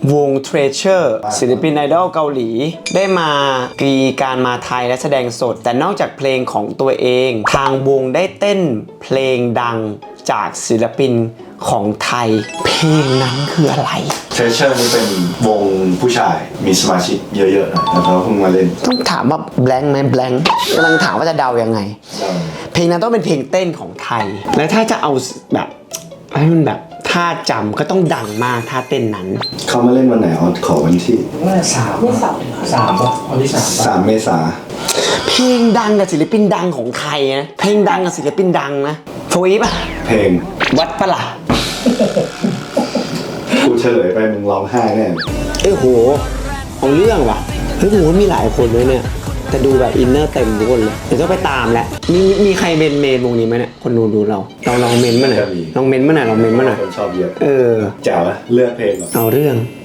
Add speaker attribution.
Speaker 1: วง Treasure ศิลปินไอดอลเกาหลีได้มาการมาไทยและแสดงสดแต่นอกจากเพลงของตัวเองทางวงได้เต้นเพลงดังจากศิลปินของไทยเพลงนั้นคืออะไร
Speaker 2: Treasure นี่เป็นวงผู้ชายมีสมาชิกเยอะๆนะแล้วเขาเพิ่งมาเล่น
Speaker 1: ต้องถามว่า blank ไหม blank กำลังถามว่าจะเดายังไงเพลงนั้นต้องเป็นเพลงเต้นของไทยและถ้าจะเอาแบบให้มันแบบท่าจำก็ต้องดังมากท่าเต้นนั้น
Speaker 2: เขามาเล่นวันไหนขอวันที่
Speaker 3: 3 ป่ะวันที่
Speaker 2: 3 เมษา
Speaker 1: เพลงดังกับศิลปินดังของไทยนะเพลงดังกับศิลปินดังนะโฟอีป่ะ
Speaker 2: เพลง
Speaker 1: วัดปะล่ะ
Speaker 2: กูเฉลยไปมึงร้องไห้แน่
Speaker 1: โหเอาเรื่องว่ะเฮ้ยผมว่ามีหลายคนเลยเนี่ยแต่ดูแบบอินเนอร์เต็มทุกคนเลยเดี๋ยวต้องไปตามแหละมีใครเมนวงนี้ไหมเนี่ยคนดูเราลองเมนมาหน่อยลองเมนมาหน่อย
Speaker 2: คนชอบเยอะ
Speaker 1: แจ๋ว
Speaker 2: เลือกเพลง
Speaker 1: เอาเรื่อง